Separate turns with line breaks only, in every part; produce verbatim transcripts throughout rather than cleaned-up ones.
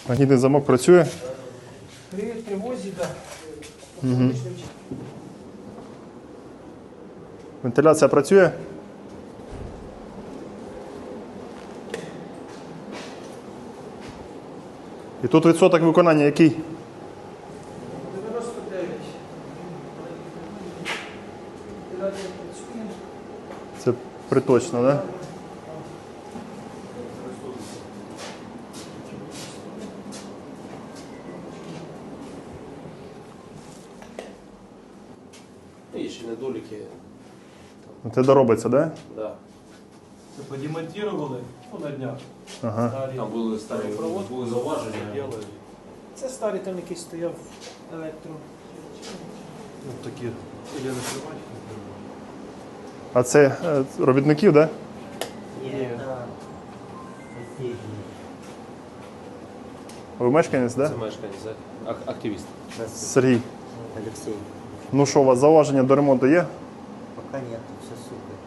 Магнітний замок працює?
При тривозі, так. Да.
Угу. Вентиляція працює? І тут відсоток виконання який?
дев'яносто дев'ять. Вентиляція працює.
Це приточно, так? Да?
Є ще недоліки.
Це доробиться, так? Да?
Да.
Це подемонтували ну, на днях.
Ага.
Старі.
Там були старі були зауваження.
Делали. Це старий там якийсь стояв електро.
Ну, такі. Я не тримаю.
А це е, робітників, так? Да?
Ні.
Ви мешканець, так?
Це
Да?
мешканець, так? Активіст.
Сергій.
Алексей.
Ну що, у вас зауваження до ремонту є?
Пока нет, все супер.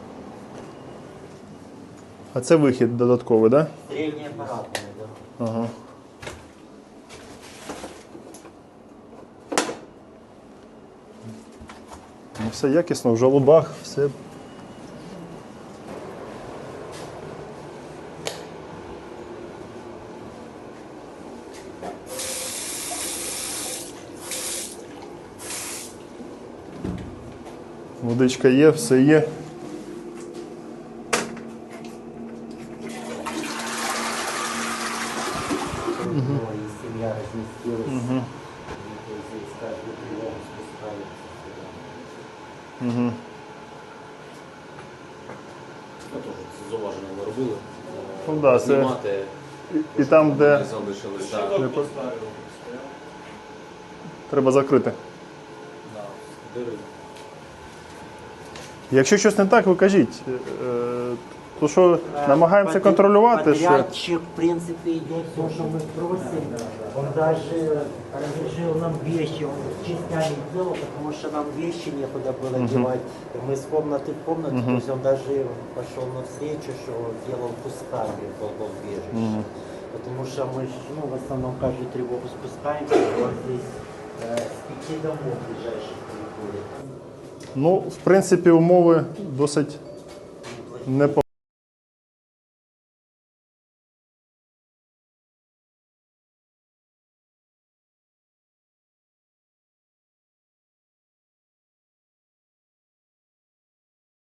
А це вихід додатковий, так? Да?
Средняя аппаратная, да.
Ага. Ну, все якісно, в жалобах, все. Водичка є, все є.
Ну, и семья разместилась.
Мгм.
И здесь каждую тревогу спускается сюда.
Угу.
Ну, теж це зауваження ми робили.
Ну, да, це-
Знімати.
І, і там, де
Ми залишили. Так.
Не по- треба закрити.
Да. Дири.
Якщо щось не так, ви кажіть. Е, То що намагаємося
Подряд-
контролювати, що
Подрядчик, в принципе, идет то, что мы просим. Он даже разрешил нам вещи, он частями делал, потому что нам вещи некуда было девать. Мы с комнаты в комнату, то есть он даже пошел навстречу, что делал кусками в бомбоубежище. Потому что мы ж, ну, в основном каждую тревогу спускаемся, у нас здесь э, с пяти домов ближайших приходит.
ну, в принципі, умови досить непогані.